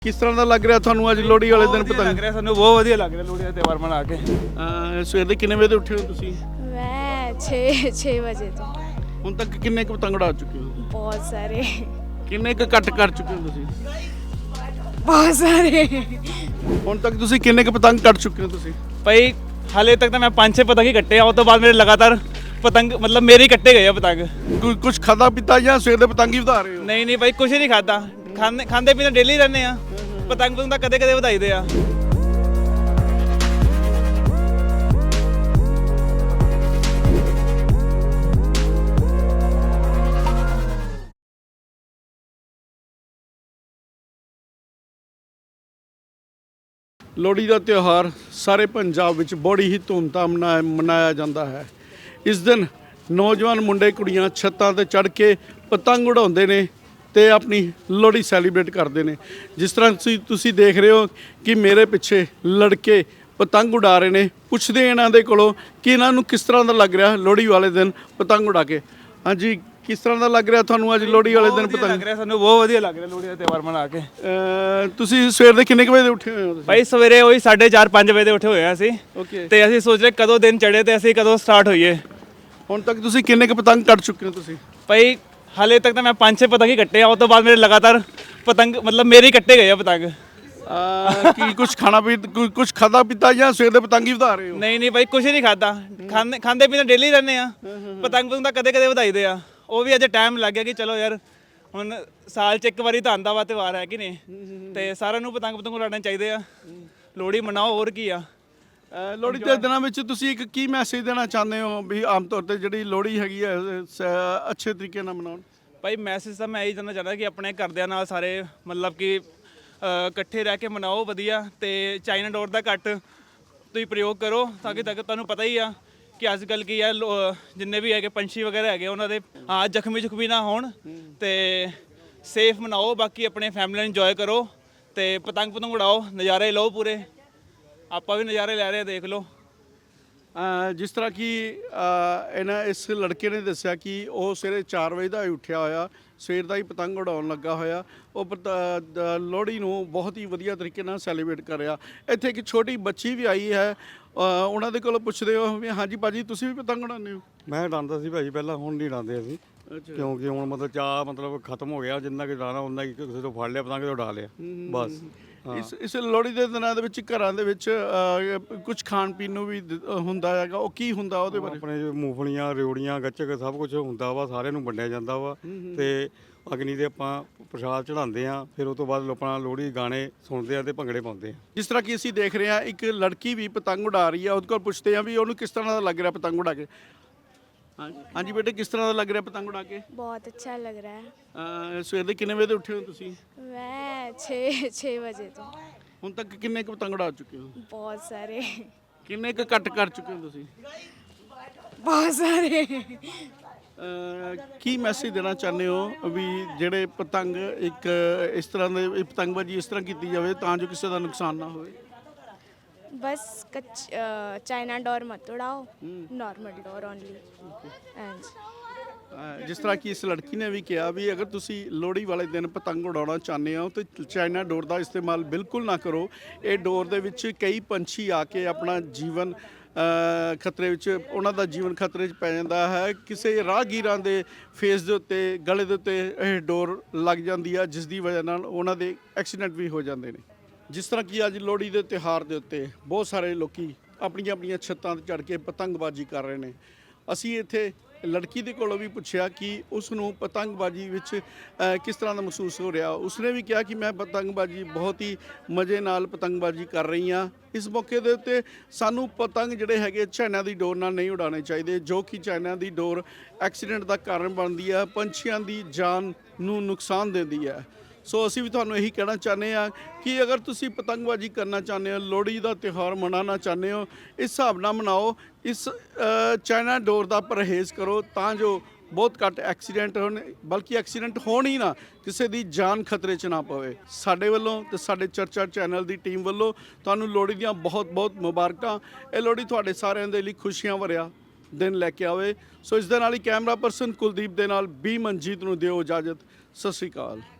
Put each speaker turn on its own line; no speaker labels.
ਕਿਸ ਤਰ੍ਹਾਂ ਦਾ ਲੱਗ ਰਿਹਾ ਤੁਹਾਨੂੰ ਅੱਜ ਲੋਹੜੀ ਵਾਲੇ ਦਿਨ ਪਤੰਗ?
ਲੱਗ ਰਿਹਾ ਸਾਨੂੰ ਬਹੁਤ ਵਧੀਆ ਲੱਗ ਰਿਹਾ ਲੋਹੜੀ ਦਾ ਤਿਉਹਾਰ ਮਨਾ ਕੇ।
ਸਵੇਰ ਦੇ ਕਿੰਨੇ ਵਜੇ ਤੇ ਉੱਠੇ ਹੋ ਤੁਸੀਂ?
मैं 6 बजे तो
ਹੁਣ ਤੱਕ ਕਿੰਨੇ ਕੁ ਪਤੰਗ ਉਡਾ ਚੁੱਕੇ ਹੋ?
बहुत सारे
ਕਿੰਨੇ ਕੁ ਕੱਟ ਕਰ ਚੁੱਕੇ ਹੋ ਤੁਸੀਂ?
बहुत सारे
ਹੁਣ ਤੱਕ ਤੁਸੀਂ ਕਿੰਨੇ ਕੁ ਪਤੰਗ ਕੱਟ ਚੁੱਕੇ ਹੋ ਤੁਸੀਂ?
ਭਾਈ ਹਾਲੇ ਤੱਕ ਤਾਂ ਮੈਂ 5-6 ਪਤੰਗ ਹੀ ਕੱਟੇ ਆ, ਉਸ ਤੋਂ ਬਾਅਦ ਮੇਰੇ ਲਗਾਤਾਰ ਪਤੰਗ ਮਤਲਬ ਮੇਰੇ ਹੀ ਕੱਟੇ ਗਏ ਆ ਪਤੰਗ।
ਕੁਝ ਖਾਦਾ ਪੀਤਾ ਜਾਂ ਸਵੇਰ ਦੇ ਪਤੰਗ ਹੀ ਵਧਾ ਰਹੇ ਹੋ?
ਨਹੀਂ ਭਾਈ ਕੁਝ ਨਹੀਂ ਖਾਦਾ, ਖਾਂਦੇ ਪੀਂਦੇ ਡੇਲੀ ਰਹਿੰਦੇ ਆ। ਪਤੰਗ ਤਾਂ ਕਦੇ ਕਦੇ ਵਧਾਈਦੇ ਆ।
ਲੋਹੜੀ ਦਾ ਤਿਉਹਾਰ ਸਾਰੇ ਪੰਜਾਬ ਵਿੱਚ ਬੜੀ ਹੀ ਧੂਮਧਾਮ ਨਾਲ ਮਨਾਇਆ ਜਾਂਦਾ ਹੈ। ਇਸ ਦਿਨ ਨੌਜਵਾਨ ਮੁੰਡੇ ਕੁੜੀਆਂ ਛੱਤਾਂ ਤੇ ਚੜ੍ਹ ਕੇ ਪਤੰਗ ਉਡਾਉਂਦੇ ਨੇ ਤੇ ਆਪਣੀ ਲੋਹੜੀ ਸੈਲੀਬ੍ਰੇਟ ਕਰਦੇ ਨੇ। ਜਿਸ ਤਰ੍ਹਾਂ ਤੁਸੀਂ ਦੇਖ ਰਹੇ ਹੋ ਕਿ ਮੇਰੇ ਪਿੱਛੇ ਲੜਕੇ ਪਤੰਗ ਉਡਾ ਰਹੇ ਨੇ। ਪੁੱਛਦੇ ਇਹਨਾਂ ਦੇ ਕੋਲੋਂ ਕਿ ਇਹਨਾਂ ਨੂੰ ਕਿਸ ਤਰ੍ਹਾਂ ਦਾ ਲੱਗ ਰਿਹਾ ਲੋਹੜੀ ਵਾਲੇ ਦਿਨ ਪਤੰਗ ਉਡਾ ਕੇ। ਹਾਂਜੀ, ਕਿਸ ਤਰ੍ਹਾਂ ਦਾ ਲੱਗ ਰਿਹਾ ਤੁਹਾਨੂੰ ਅੱਜ ਲੋਹੜੀ ਵਾਲੇ ਦਿਨ ਪਤੰਗ?
ਲੱਗ ਰਿਹਾ ਸਾਨੂੰ ਬਹੁਤ ਵਧੀਆ ਲੱਗ ਰਿਹਾ ਲੋਹੜੀ ਦਾ ਤਿਉਹਾਰ ਮਨਾ ਕੇ।
ਤੁਸੀਂ ਸਵੇਰ ਦੇ ਕਿੰਨੇ ਕੁ ਵਜੇ ਉੱਠੇ ਹੋਏ ਹੋ ਤੁਸੀਂ?
ਭਾਈ ਸਵੇਰੇ ਉਹੀ 4:30-5 ਵਜੇ ਦੇ ਉੱਠੇ ਹੋਏ ਆ ਅਸੀਂ।
ਓਕੇ।
ਤੇ ਅਸੀਂ ਸੋਚ ਰਹੇ ਕਦੋਂ ਦਿਨ ਚੜ੍ਹੇ ਤੇ ਅਸੀਂ ਕਦੋਂ ਸਟਾਰਟ ਹੋਈਏ।
ਹੁਣ ਤੱਕ ਤੁਸੀਂ ਕਿੰਨੇ ਕੁ ਪਤੰਗ ਕੱਟ ਚੁੱਕੇ ਹੋ ਤੁਸੀਂ?
ਭਾਈ ਹਾਲੇ ਤੱਕ ਤਾਂ ਮੈਂ 5-6 ਪਤੰਗ ਹੀ ਕੱਟੇ ਆ, ਉਸ ਤੋਂ ਬਾਅਦ ਮੇਰੇ ਲਗਾਤਾਰ ਪਤੰਗ ਮਤਲਬ ਮੇਰੇ ਹੀ ਕੱਟੇ ਗਏ ਆ ਪਤੰਗ।
ਕੀ ਕੁਝ ਕੁਝ ਖਾਦਾ ਪੀਤਾ ਜਾਂ ਸਵੇਰ ਦੇ ਪਤੰਗ ਹੀ ਵਧਾ ਰਹੇ ਹੋ?
ਨਹੀਂ ਭਾਈ ਕੁਝ ਨਹੀਂ ਖਾਦਾ, ਖਾਂਦੇ ਪੀਂਦੇ ਡੇਲੀ ਰਹਿੰਦੇ ਆ। ਪਤੰਗ ਤਾਂ ਕਦੇ ਕਦੇ ਵਧਾਈਦੇ ਆ। ਉਹ ਵੀ ਅੱਜ ਟਾਈਮ ਲੱਗ ਗਿਆ ਕਿ ਚਲੋ ਯਾਰ ਹੁਣ ਸਾਲ 'ਚ ਇੱਕ ਵਾਰੀ ਤਾਂ ਆਉਂਦਾ ਵਾ ਤਿਉਹਾਰ ਹੈ ਕਿ ਨਹੀਂ, ਤੇ ਸਾਰਿਆਂ ਨੂੰ ਪਤੰਗ ਉਡਾਉਣੇ ਚਾਹੀਦੇ ਆ। ਲੋਹੜੀ ਮਨਾਓ, ਹੋਰ ਕੀ ਆ।
ਲੋਹੜੀ ਦੇ ਦਿਨਾਂ ਵਿੱਚ ਤੁਸੀਂ ਇੱਕ ਕੀ ਮੈਸੇਜ ਦੇਣਾ ਚਾਹੁੰਦੇ ਹੋ ਵੀ ਆਮ ਤੌਰ ਤੇ ਜਿਹੜੀ ਲੋਹੜੀ ਹੈਗੀ ਹੈ ਅੱਛੇ ਤਰੀਕੇ ਨਾਲ ਮਨਾਉਣ?
ਭਾਈ ਮੈਸੇਜ ਤਾਂ ਮੈਂ ਇਹੀ ਦੇਣਾ ਚਾਹੁੰਦਾ ਕਿ ਆਪਣੇ ਘਰਦਿਆਂ ਨਾਲ ਸਾਰੇ ਮਤਲਬ ਕਿ ਇਕੱਠੇ ਰਹਿ ਕੇ ਮਨਾਓ ਵਧੀਆ, ਤੇ ਚਾਈਨਾ ਡੋਰ ਦਾ ਘੱਟ ਤੁਸੀਂ ਪ੍ਰਯੋਗ ਕਰੋ ਤਾਂ ਕਿ ਤੁਹਾਨੂੰ ਪਤਾ ਹੀ ਆ ਕਿ ਅੱਜ ਕੱਲ੍ਹ ਕੀ ਹੈ ਜਿੰਨੇ ਵੀ ਹੈਗੇ ਪੰਛੀ ਵਗੈਰਾ ਹੈਗੇ ਉਹਨਾਂ ਦੇ ਜ਼ਖਮੀ ਨਾ ਹੋਣ, ਤੇ ਸੇਫ ਮਨਾਓ। ਬਾਕੀ ਆਪਣੇ ਫੈਮਿਲੀ ਨਾਲ ਇੰਜੋਏ ਕਰੋ ਤੇ ਪਤੰਗ ਉਡਾਓ, ਨਜ਼ਾਰੇ ਲਓ ਪੂਰੇ। ਆਪਾਂ ਵੀ ਨਜ਼ਾਰੇ ਲੈ ਰਹੇ ਹਾਂ, ਦੇਖ ਲਓ।
ਜਿਸ ਤਰ੍ਹਾਂ ਕਿ ਇਸ ਲੜਕੇ ਨੇ ਦੱਸਿਆ ਕਿ ਉਹ ਸਵੇਰੇ 4 ਵਜੇ ਦਾ ਹੀ ਉੱਠਿਆ ਹੋਇਆ, ਸਵੇਰ ਦਾ ਹੀ ਪਤੰਗ ਉਡਾਉਣ ਲੱਗਾ ਹੋਇਆ। ਉਹ ਲੋਹੜੀ ਨੂੰ ਬਹੁਤ ਹੀ ਵਧੀਆ ਤਰੀਕੇ ਨਾਲ ਸੈਲੀਬ੍ਰੇਟ ਕਰ ਰਿਹਾ। ਇੱਥੇ ਇੱਕ ਛੋਟੀ ਬੱਚੀ ਵੀ ਆਈ ਹੈ, ਉਹਨਾਂ ਦੇ ਕੋਲੋਂ ਪੁੱਛਦੇ ਹੋ ਵੀ ਹਾਂਜੀ ਭਾਜੀ ਤੁਸੀਂ ਵੀ ਪਤੰਗ ਉਡਾਉਂਦੇ ਹੋ?
ਮੈਂ ਉਡਾਉਂਦਾ ਸੀ ਭਾਜੀ ਪਹਿਲਾਂ, ਹੁਣ ਨਹੀਂ ਉਡਾਉਂਦੇ ਅਸੀਂ, ਕਿਉਂਕਿ ਹੁਣ ਮਤਲਬ ਚਾਹ ਮਤਲਬ ਖਤਮ ਹੋ ਗਿਆ। ਜਿੰਨਾ ਕਿ ਉਡਾਉਣਾ ਉਹਨਾਂ ਕਿ ਕਿਸੇ ਤੋਂ ਫੜ ਲਿਆ ਪਤੰਗ ਤੇ ਉਡਾ ਲਿਆ ਬਸ।
ਇਸ ਲੋਹੜੀ ਦੇ ਦਿਨਾਂ ਦੇ ਵਿੱਚ ਘਰਾਂ ਦੇ ਵਿੱਚ ਕੁਝ ਖਾਣ ਪੀਣ ਨੂੰ ਵੀ ਹੁੰਦਾ ਹੈਗਾ, ਉਹ ਕੀ ਹੁੰਦਾ ਉਹਦੇ ਬਾਰੇ?
ਆਪਣੇ ਮੂੰਗਫਲੀਆਂ, ਰਿਉੜੀਆਂ, ਗੱਚਕ ਸਭ ਕੁਝ ਹੁੰਦਾ ਵਾ, ਸਾਰਿਆਂ ਨੂੰ ਵੰਡਿਆ ਜਾਂਦਾ ਵਾ। ਤੇ ਅਗਨੀ ਦੇ ਆਪਾਂ ਪ੍ਰਸ਼ਾਦ ਚੜਾਉਂਦੇ ਆ, ਫਿਰ ਉਸ ਤੋਂ ਬਾਅਦ ਆਪਣਾ ਲੋਹੜੀ ਗਾਣੇ ਸੁਣਦੇ ਆ ਤੇ ਭੰਗੜੇ ਪਾਉਂਦੇ ਆ।
ਜਿਸ ਤਰ੍ਹਾਂ ਕਿ ਅਸੀਂ ਦੇਖ ਰਹੇ ਹਾਂ ਇੱਕ ਲੜਕੀ ਵੀ ਪਤੰਗ ਉਡਾ ਰਹੀ ਹੈ, ਉਹਦੇ ਕੋਲ ਪੁੱਛਦੇ ਆ ਵੀ ਉਹਨੂੰ ਕਿਸ ਤਰ੍ਹਾਂ ਦਾ ਲੱਗ ਰਿਹਾ ਪਤੰਗ ਉਡਾ ਕੇ। ਹਾਂਜੀ ਬੇਟੇ, ਕਿਸ ਤਰ੍ਹਾਂ ਦਾ ਲੱਗ ਰਿਹਾ ਪਤੰਗ ਉਡਾ ਕੇ?
बहुत अच्छा लग रहा है।
ਸਵੇਰ ਦੇ ਕਿੰਨੇ ਵਜੇ ਤੇ ਉੱਠੇ ਹੋ ਤੁਸੀਂ?
मैं 6 बजे तो
ਹੁਣ ਤੱਕ ਕਿੰਨੇ ਕੁ ਪਤੰਗ ਉਡਾ ਚੁੱਕੇ ਹੋ?
बहुत सारे
ਕਿੰਨੇ ਕੁ ਕੱਟ ਕਰ ਚੁੱਕੇ ਹੋ ਤੁਸੀਂ?
बहुत सारे
ਕੀ ਮੈਸੇਜ ਦੇਣਾ ਚਾਹੁੰਦੇ ਹੋ ਵੀ ਜਿਹੜੇ ਪਤੰਗ ਇੱਕ ਇਸ ਤਰ੍ਹਾਂ ਦੇ ਪਤੰਗਬਾਜ਼ੀ ਇਸ ਤਰ੍ਹਾਂ ਕੀਤੀ ਜਾਵੇ ਤਾਂ ਜੋ ਕਿਸੇ ਦਾ ਨੁਕਸਾਨ ਨਾ ਹੋਵੇ?
बस चाइना डोर मत उड़ाओ, नॉर्मल डोर ओनली। एंड
ਜਿਸ ਤਰ੍ਹਾਂ ਕਿ ਇਸ ਲੜਕੀ ਨੇ ਵੀ ਕਿਹਾ ਵੀ ਅਗਰ ਤੁਸੀਂ ਲੋਹੜੀ ਵਾਲੇ ਦਿਨ ਪਤੰਗ ਉਡਾਉਣਾ ਚਾਹੁੰਦੇ ਹੋ ਤਾਂ ਚਾਈਨਾ ਡੋਰ ਦਾ ਇਸਤੇਮਾਲ ਬਿਲਕੁਲ ਨਾ ਕਰੋ। ਇਹ ਡੋਰ ਦੇ ਵਿੱਚ ਕਈ ਪੰਛੀ ਆ ਕੇ ਆਪਣਾ ਜੀਵਨ ਖਤਰੇ ਵਿੱਚ, ਉਹਨਾਂ ਦਾ ਜੀਵਨ ਖਤਰੇ 'ਚ ਪੈ ਜਾਂਦਾ ਹੈ। ਕਿਸੇ ਰਾਹਗੀਰਾਂ ਦੇ ਫੇਸ ਦੇ ਉੱਤੇ, ਗਲੇ ਦੇ ਉੱਤੇ ਇਹ ਡੋਰ ਲੱਗ ਜਾਂਦੀ ਆ, ਜਿਸ ਦੀ ਵਜ੍ਹਾ ਨਾਲ ਉਹਨਾਂ ਦੇ ਐਕਸੀਡੈਂਟ ਵੀ ਹੋ ਜਾਂਦੇ ਨੇ। ਜਿਸ ਤਰ੍ਹਾਂ ਕਿ ਅੱਜ ਲੋਹੜੀ ਦੇ ਤਿਉਹਾਰ ਦੇ ਉੱਤੇ ਬਹੁਤ ਸਾਰੇ ਲੋਕੀ ਆਪਣੀਆਂ ਆਪਣੀਆਂ ਛੱਤਾਂ 'ਤੇ ਚੜ੍ਹ ਕੇ ਪਤੰਗਬਾਜ਼ੀ ਕਰ ਰਹੇ ਨੇ। ਅਸੀਂ ਇੱਥੇ ਲੜਕੀ ਦੇ ਕੋਲੋਂ ਵੀ ਪੁੱਛਿਆ ਕਿ ਉਸ ਨੂੰ ਪਤੰਗਬਾਜ਼ੀ ਵਿੱਚ ਕਿਸ ਤਰ੍ਹਾਂ ਦਾ ਮਹਿਸੂਸ ਹੋ ਰਿਹਾ। ਉਸਨੇ ਵੀ ਕਿਹਾ ਕਿ ਮੈਂ ਪਤੰਗਬਾਜ਼ੀ ਬਹੁਤ ਹੀ ਮਜ਼ੇ ਨਾਲ ਪਤੰਗਬਾਜ਼ੀ ਕਰ ਰਹੀ ਹਾਂ। ਇਸ ਮੌਕੇ ਦੇ ਉੱਤੇ ਸਾਨੂੰ ਪਤੰਗ ਜਿਹੜੇ ਹੈਗੇ ਚਾਈਨਾ ਦੀ ਡੋਰ ਨਾਲ ਨਹੀਂ ਉਡਾਉਣੇ ਚਾਹੀਦੇ, ਜੋ ਕਿ ਚਾਈਨਾ ਦੀ ਡੋਰ ਐਕਸੀਡੈਂਟ ਦਾ ਕਾਰਨ ਬਣਦੀ ਹੈ, ਪੰਛੀਆਂ ਦੀ ਜਾਨ ਨੂੰ ਨੁਕਸਾਨ ਦਿੰਦੀ ਹੈ। ਸੋ ਅਸੀਂ ਵੀ ਤੁਹਾਨੂੰ ਇਹੀ ਕਹਿਣਾ ਚਾਹੁੰਦੇ ਹਾਂ ਕਿ ਅਗਰ ਤੁਸੀਂ ਪਤੰਗਬਾਜ਼ੀ ਕਰਨਾ ਚਾਹੁੰਦੇ ਹੋ, ਲੋਹੜੀ ਦਾ ਤਿਉਹਾਰ ਮਨਾਉਣਾ ਚਾਹੁੰਦੇ ਹੋ, ਇਸ ਹਿਸਾਬ ਨਾਲ ਮਨਾਓ। ਇਸ ਚਾਈਨਾ ਡੋਰ ਦਾ ਪਰਹੇਜ਼ ਕਰੋ ਤਾਂ ਜੋ ਬਹੁਤ ਘੱਟ ਐਕਸੀਡੈਂਟ ਹੋਣ, ਬਲਕਿ ਐਕਸੀਡੈਂਟ ਹੋਣ ਹੀ ਨਾ, ਕਿਸੇ ਦੀ ਜਾਨ ਖਤਰੇ 'ਚ ਨਾ ਪਵੇ। ਸਾਡੇ ਵੱਲੋਂ ਤੇ ਸਾਡੇ ਚਰਚਾ ਚੈਨਲ ਦੀ ਟੀਮ ਵੱਲੋਂ ਤੁਹਾਨੂੰ ਲੋਹੜੀ ਦੀਆਂ ਬਹੁਤ ਬਹੁਤ ਮੁਬਾਰਕਾਂ। ਇਹ ਲੋਹੜੀ ਤੁਹਾਡੇ ਸਾਰਿਆਂ ਦੇ ਲਈ ਖੁਸ਼ੀਆਂ ਭਰਿਆ ਦਿਨ ਲੈ ਕੇ ਆਵੇ। ਸੋ ਇਸ ਦੇ ਨਾਲ ਹੀ ਕੈਮਰਾ ਪਰਸਨ ਕੁਲਦੀਪ ਦੇ ਨਾਲ ਬੀ ਮਨਜੀਤ ਨੂੰ ਦਿਓ ਇਜਾਜ਼ਤ। ਸਤਿ ਸ਼੍ਰੀ ਅਕਾਲ।